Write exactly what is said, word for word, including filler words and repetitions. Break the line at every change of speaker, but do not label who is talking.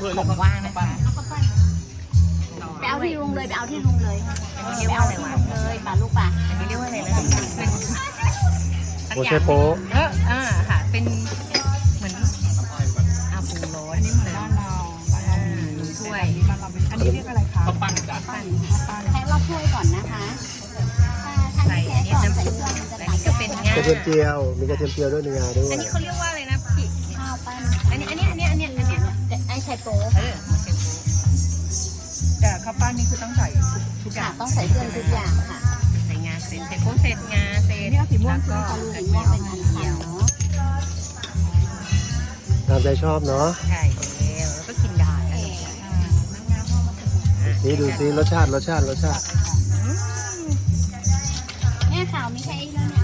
ผมว่างนะคะ
ไปเอาที่ลุงเลยไปเอาที่ลุงเลยไปเอาที่ลุงเลยป่าลูกป่า
อันนี้เรียกว่าอะไรนะเป็น
โอเชโป๊ะ
เอออ่าค่ะเป็นเหมือนอาปูโรสอันนี้เหมือนบ้านเราบ้านเรามีถ้วยอันนี้เรียกอะไรคะข้าวปั้นจ้ะปั้น
ใช้รอบถ้วยก่อนนะคะถ้า
ใส่
ถ้า
อันนี้
ใส่
น้ำ
ใส่
ซุป
เครื่องมันจะ
อัน
ตัด
นี้ก็เป็นงาก
ระเทียมเจียว มีกระเทียมเจียวด้วยมีงาด้วย
อันนี้เขาเรียกว่าอะไรนะพี่
ข้าวปั้น
อันนี้อันนี้อันนี้อันนี้อันนี้
ไอ้ไข่โป๊
เออหัวเชฟโป๊
แต่ข้าวปั้นนี่คือต้องใส่ทุกอ
ค่ะ
ย่าง
ต้องใส่เครื่องทุกอย่างค่ะ
ใส่งาเสร็จใส่โป๊เสร็จงาเสร็จ
นี่เอาสีม่วง
แล้ว
ใช่ไหม
ก็
คะ
สีม่วงเป็นอันเขียว
ตามใจชอบเนาะ
ใช่แล้วแล้วก็กินได้อ่ะ
นี่ดูซิรสชาติรสชาติรสชาติ
เนี่ยข่าวมีแค่ไอ้แล้วเนี่ย